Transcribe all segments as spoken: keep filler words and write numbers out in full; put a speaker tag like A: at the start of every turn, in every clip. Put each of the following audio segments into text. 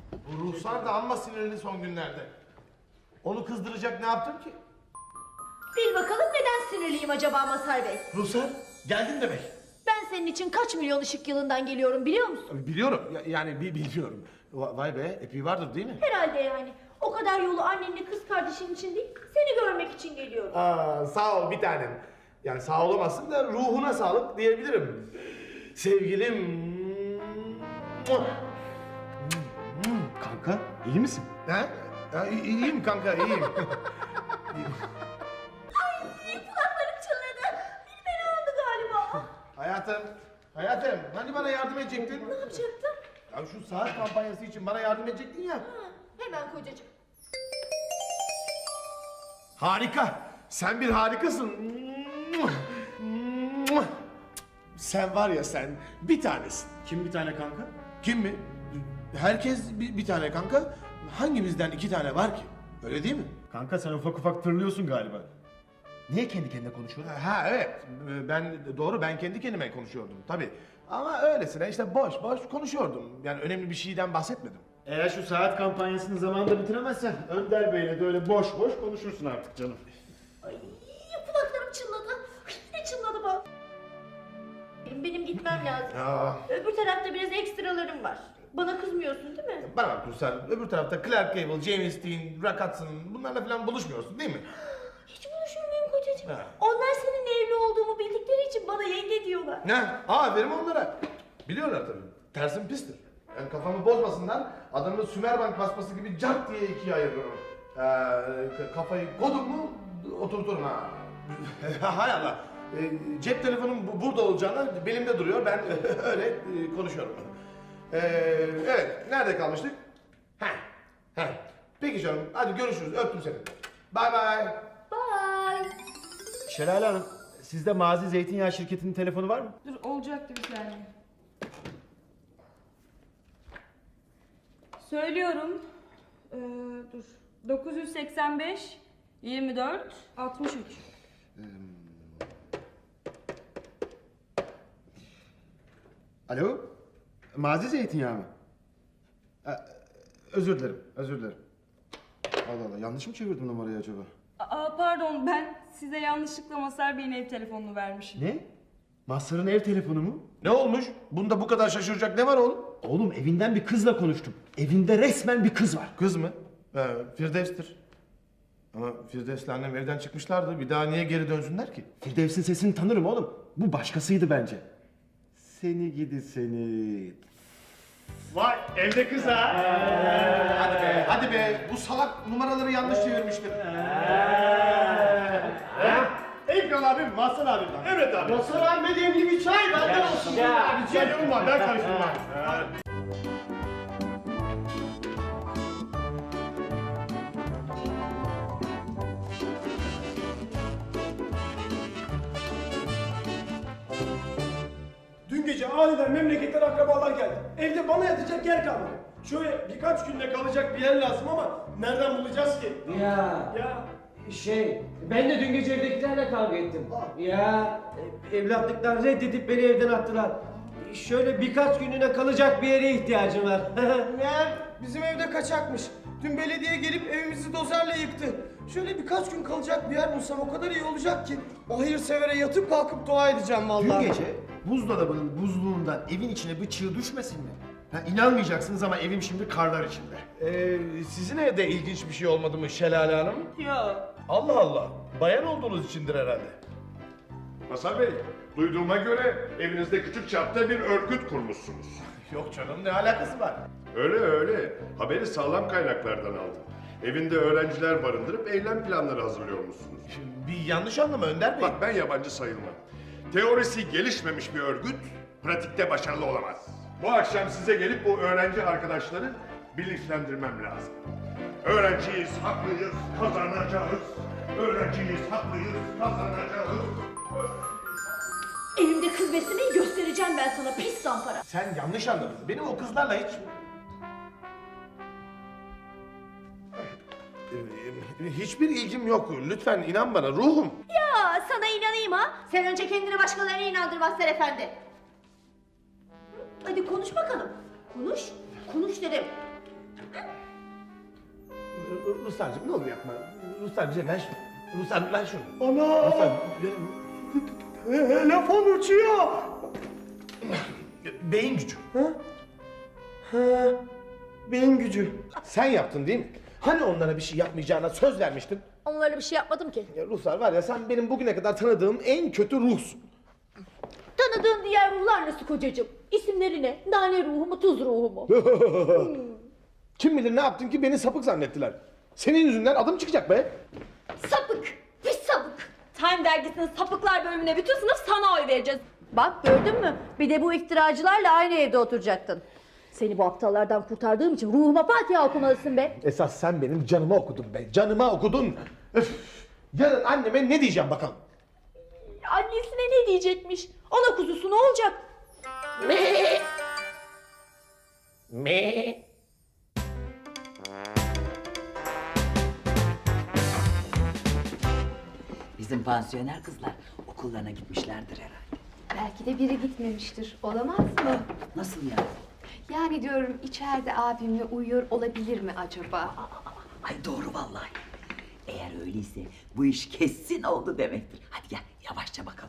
A: Bu Ruhsar da amma sinirli son günlerde. Onu kızdıracak ne yaptım ki?
B: Bil bakalım neden sinirliyim acaba Mazhar Bey?
A: Ruhsar geldin demek.
B: Ben senin için kaç milyon ışık yılından geliyorum biliyor musun?
A: Biliyorum ya- yani bi- biliyorum. Va- Vay be epey vardır değil mi?
B: Herhalde yani. O kadar yolu annenle kız kardeşin için değil, seni görmek için geliyorum.
A: Aa, sağ ol bir tanem. Yani sağ olamazsın da ruhuna sağlık diyebilirim. Sevgilim.
C: Kanka iyi misin?
A: Ha? Ya, i- iyiyim kanka iyiyim.
B: Ay kulaklarım çınladı. Bir fena oldu galiba.
A: hayatım, hayatım hani bana yardım edecektin?
B: Ne yapacaktım?
A: Ya şu saat kampanyası için bana yardım edecektin ya.
B: Ha, hemen kocacığım.
A: Harika. Sen bir harikasın. Sen var ya sen bir tanesin.
C: Kim bir tane kanka?
A: Kim mi? Herkes bir, bir tane kanka. Hangimizden iki tane var ki? Öyle değil mi?
C: Kanka sen ufak ufak tırlıyorsun galiba. Niye kendi kendine konuşuyorsun?
A: Ha evet. Ben doğru ben kendi kendime konuşuyordum tabii. Ama öylesine işte boş boş konuşuyordum. Yani önemli bir şeyden bahsetmedim.
C: Eğer şu saat kampanyasını zamanında bitiremezsen Önder Bey'le de öyle boş boş konuşursun artık canım.
B: Ay kulaklarım çınladı. Ay, ne çınladı bu? Benim, benim gitmem lazım.
A: Ya.
B: Öbür tarafta biraz ekstralarım var. Bana kızmıyorsun değil mi?
A: Bana bak Ruslar, öbür tarafta Clark Gable, James Dean, Rock Hudson bunlarla falan buluşmuyorsun değil mi?
B: Hiç buluşur muyum kocacığım?
A: Ha.
B: Onlar senin evli olduğumu bildikleri için bana yenge diyorlar.
A: Ne? Aferin onlara. Biliyorlar tabii. Tersim pistir. Yani kafamı bozmasınlar, adamı Sümerbank basması gibi cart diye ikiye ayırırım. Ee, k- kafayı kodum mu oturturum ha. Hay Allah. Ee, cep telefonum bu- burada olacağına belimde duruyor. Ben öyle e, konuşuyorum. Ee, evet, nerede kalmıştık? Heh, heh. Peki canım, hadi görüşürüz. Öptüm seni. Bye bye.
B: Bye.
C: Şelale Hanım, sizde Mazi Zeytinyağı şirketinin telefonu var mı?
D: Dur olacaktı bir saniye. Söylüyorum. Ee, dur. dokuz yüz seksen beş yirmi dört altmış üç.
C: Alo? Mazi Zeytinyağı mı? Ee, özür dilerim, özür dilerim. Allah Allah, yanlış mı çevirdim numarayı acaba?
D: Aa, pardon ben size yanlışlıkla Mazhar Bey'in ev telefonunu vermişim.
C: Ne? Mazhar'ın ev telefonu mu?
A: Ne olmuş? Bunda bu kadar şaşıracak ne var oğlum?
C: Oğlum evinden bir kızla konuştum. Evinde resmen bir kız var.
A: Kız mı? Ee, Firdevs'tir. Ama Firdevs'le annem evden çıkmışlardı. Bir daha niye geri dönsünler ki?
C: Firdevs'in sesini tanırım oğlum. Bu başkasıydı bence. Seni gidi seni. Vay evde kız ha.
A: Hadi be, hadi be. Bu salak numaraları yanlış çevirmiştir.
C: Ekran abim, Mahsun abim. Evet abi. Mahsun abi demli bir çay benden olsun. Ya, bir çay yorulma ben karıştırmam.
E: Dün gece aniden memleketten akrabalar geldi. Evde bana yatacak yer kalmadı. Şöyle birkaç günde kalacak bir yer lazım ama nereden bulacağız ki?
F: Ya
E: Ya
F: şey, ben de dün gece evdekilerle kavga ettim. Ya e, evlatlıktan reddedip beni evden attılar. Şöyle birkaç gününe kalacak bir yere ihtiyacım var.
E: meğer bizim evde kaçakmış. Dün belediye gelip evimizi dozerle yıktı. Şöyle birkaç gün kalacak bir yer bulsam o kadar iyi olacak ki. O hayırsevere yatıp kalkıp dua edeceğim vallahi.
C: Dün gece buzdolabının buzluğundan evin içine bir çığ düşmesin mi? Ha, inanmayacaksınız ama evim şimdi karlar içinde.
A: Ee, sizin evde ilginç bir şey olmadı mı Şelale Hanım?
D: Ya.
A: Allah Allah. Bayan olduğunuz içindir herhalde.
G: Mazhar Bey, duyduğuma göre evinizde küçük çapta bir örgüt kurmuşsunuz.
A: Yok canım ne alakası var?
G: Öyle öyle. Haberi sağlam kaynaklardan aldım. Evinde öğrenciler barındırıp eylem planları hazırlıyormuşsunuz.
A: Bir yanlış anlama Önder Bey.
G: Bak ben yabancı sayılmam. Teorisi gelişmemiş bir örgüt, pratikte başarılı olamaz. Bu akşam size gelip bu öğrenci arkadaşları bilinçlendirmem lazım. Öğrenciyiz, haklıyız, kazanacağız. Öğrenciyiz, haklıyız, kazanacağız.
B: Evimde kız beslemeyi göstereceğim ben sana pis zampara.
A: Sen yanlış anladın. Benim o kızlarla hiç... Ee, Hiçbir ilgim yok. Lütfen inan bana ruhum.
B: Ya sana inanayım ha. Sen önce kendini başkalarına inandır Mazhar Efendi. Hadi konuş bakalım. Konuş. Konuş dedim.
A: Ruslarcığım ne olur yapma. Ruslar bize ver şunu. Ruslar ver şunu.
E: Ana!
A: Ruslar,
E: Telefon uçuyor.
A: beyin gücü.
E: Ha? Ha. Beyin gücü.
A: Sen yaptın değil mi? Hani onlara bir şey yapmayacağına söz vermiştin?
B: Onlara bir şey yapmadım ki.
A: Ya Ruslar var ya sen benim bugüne kadar tanıdığım en kötü ruhsun.
B: Tanıdığın diğer ruhlar nasıl kocacığım? İsimleri ne? Nane ruhu mu, tuz ruhu mu?
A: Kim bilir ne yaptın ki beni sapık zannettiler. Senin yüzünden adım çıkacak be.
B: Sapık! Pis sapık!
D: Time dergisinin sapıklar bölümüne bütün sınıf sana oy vereceğiz.
B: Bak gördün mü? Bir de bu iftiracılarla aynı evde oturacaktın. Seni bu aptallardan kurtardığım için ruhuma Fatiha okumalısın be.
A: Esas sen benim canıma okudun be. Canıma okudun. Öf. Yarın anneme ne diyeceğim bakalım.
B: Annesine ne diyecekmiş? Ana kuzusu ne olacak?
A: Me.
H: Bizim pansiyoner kızlar okullarına gitmişlerdir herhalde.
I: Belki de biri gitmemiştir. Olamaz mı?
H: Nasıl yani?
I: Yani diyorum içeride abimle uyuyor olabilir mi acaba?
H: Ay doğru vallahi. Eğer öyleyse bu iş kesin oldu demektir. Hadi gel yavaşça bakalım.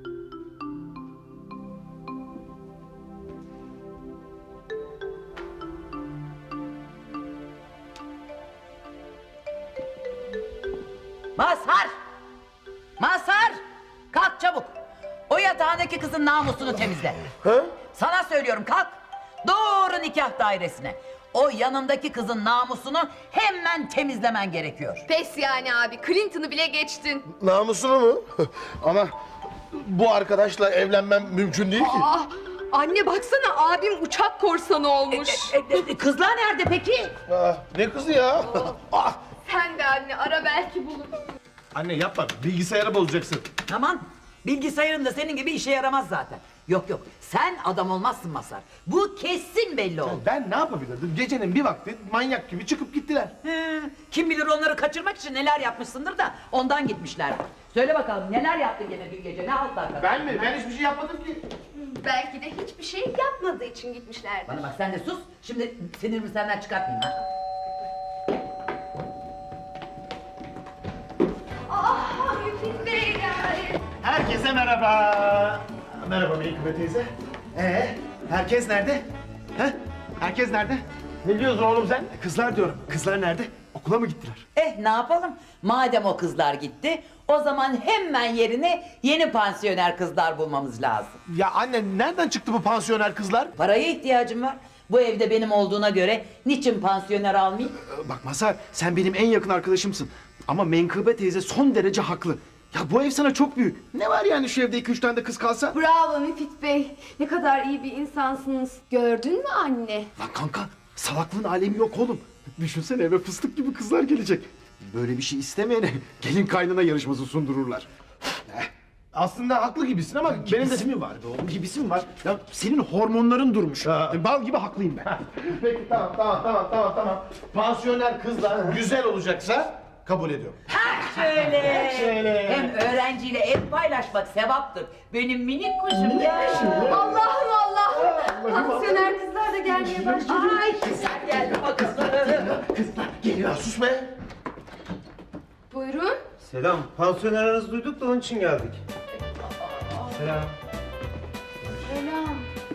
H: Mazhar! Mazhar! Kalk çabuk. O yatağındaki kızın namusunu temizle.
A: Ha?
H: Sana söylüyorum kalk. Doğru nikah dairesine. O yanındaki kızın namusunu hemen temizlemen gerekiyor.
I: Pes yani abi. Clinton'ı bile geçtin.
A: Namusunu mu? Ama bu arkadaşla evlenmem mümkün değil ki.
I: Ah, anne baksana abim uçak korsanı olmuş.
H: E, e, kızlar nerede peki?
A: Aa, ne kızı ya? Ah!
I: Sen de anne ara belki bulur.
A: Anne yapma, bilgisayarı bozacaksın.
H: Aman bilgisayarın da senin gibi işe yaramaz zaten. Yok yok sen adam olmazsın Mazhar. Bu kesin belli oldu.
A: Ben ne yapabilirdim? Gecenin bir vakti manyak gibi çıkıp gittiler.
H: He, kim bilir onları kaçırmak için neler yapmışsındır da ondan gitmişler. Söyle bakalım neler yaptın gene dün gece ne altlar?
A: Ben mi? Ben hiçbir şey yapmadım ki.
I: Belki de hiçbir şey yapmadığı için gitmişlerdir.
H: Bana bak sen de sus. Şimdi sinirimi senden çıkartmayayım ha.
I: Ah Müfit Bey yani.
C: Herkese merhaba. Merhaba Melikübe teyze. Ee, herkes nerede? He? Herkes nerede?
A: Ne diyorsun oğlum sen?
C: Kızlar diyorum. Kızlar nerede? Okula mı gittiler?
H: Eh ne yapalım? Madem o kızlar gitti, o zaman hemen yerine yeni pansiyoner kızlar bulmamız lazım.
A: Ya anne nereden çıktı bu pansiyoner kızlar?
H: Paraya ihtiyacım var. Bu evde benim olduğuna göre niçin pansiyoner almayayım?
C: Bak Mazhar, sen benim en yakın arkadaşımsın. Ama Menkıbe teyze son derece haklı. Ya bu ev sana çok büyük. Ne var yani şu evde iki üç tane de kız kalsa?
I: Bravo Müfit Bey. Ne kadar iyi bir insansınız. Gördün mü anne?
C: Lan kanka, salaklığın alemi yok oğlum. Düşünsene eve fıstık gibi kızlar gelecek. Böyle bir şey istemeyene gelin kaynana yarışması sundururlar.
A: Aslında haklı gibisin ama benim de...
C: Gibisi mi var be oğlum? Gibisi mi var? Ya senin hormonların durmuş.
A: Ha.
C: Bal gibi haklıyım ben.
A: Peki tamam tamam tamam tamam tamam. Pansiyoner kızlar güzel olacaksa kabul ediyorum.
H: Şöyle.
A: Şöyle.
H: Hem öğrenciyle ev paylaşmak sevaptır. Benim minik kuşum ya.
I: Allah'ım Allah'ım. Pansiyoner kızlar da gelmeye başladı.
H: Ay sen geldi bakalım.
A: Kızlar geliyor. Sus be.
I: Buyurun.
F: Selam. Pansiyoner aranızı duyduk da onun için geldik. Selam.
I: Selam.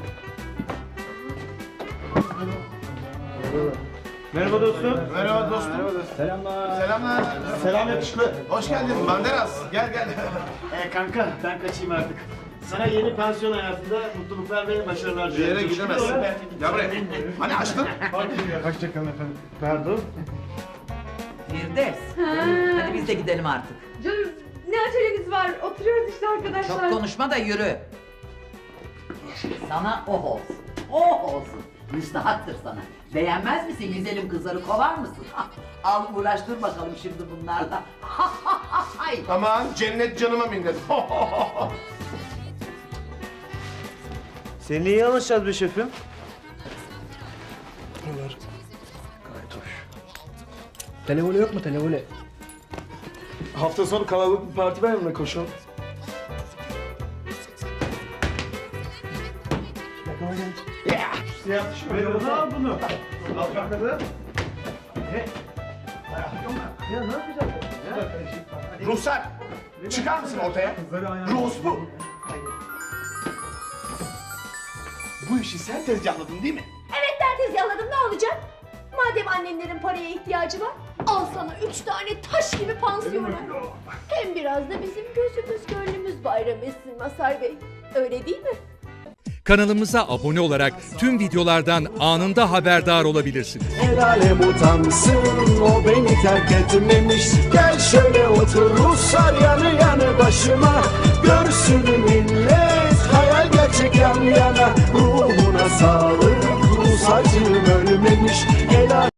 F: Merhaba dostum.
A: Merhaba dostum.
F: Selamlar.
A: Selamlar.
C: Selam yakışıklı.
A: Hoş geldin Banderas. Gel gel.
C: Ee, kanka ben kaçayım artık. Sana yeni pansiyon hayatında mutluluklar ve başarılar
A: Bir
C: diliyorum.
A: yere gidemezsin. Gel buraya. Hani açtın?
C: Hoşçakalın efendim. Pardon.
H: Firdevs. Hadi biz de gidelim artık.
D: Canım ne acelemiz var? Oturuyoruz işte arkadaşlar.
H: Çok konuşma da yürü. Sana oh olsun. Oh olsun. Müstahaktır sana. Beğenmez misin güzelim kızları kovar mısın? Al uğraştır bakalım şimdi bunlarla. Ay.
A: Aman cennet canıma minnet.
F: Seninle iyi anlaşacağız be şefim.
E: Televole yok mu televole? Hafta sonu kalabalık bir parti var mı koşalım?
C: Siyah tişörtü al bunu. Al bakalım. Ya ne yapacağız?
G: Ruhsar, çıkar mısın ortaya? Ruhs bu. Bu işi sen tezgahladın değil mi?
I: Evet ben tezgahladım, ne olacak? Madem annenlerin paraya ihtiyacı var, al sana üç tane taş gibi pansiyonu. Hem biraz da bizim gözümüz gönlümüz bayram etsin Mazhar Bey. Öyle değil mi?
J: Kanalımıza abone olarak tüm videolardan anında haberdar olabilirsiniz.
K: El alem utansın, o beni terk etmemiş. Gel şöyle otur Ruslar yanı yanı başıma. Görsün millet hayal gerçek yan yana. Ruhuna sağlık Rus acım öyle.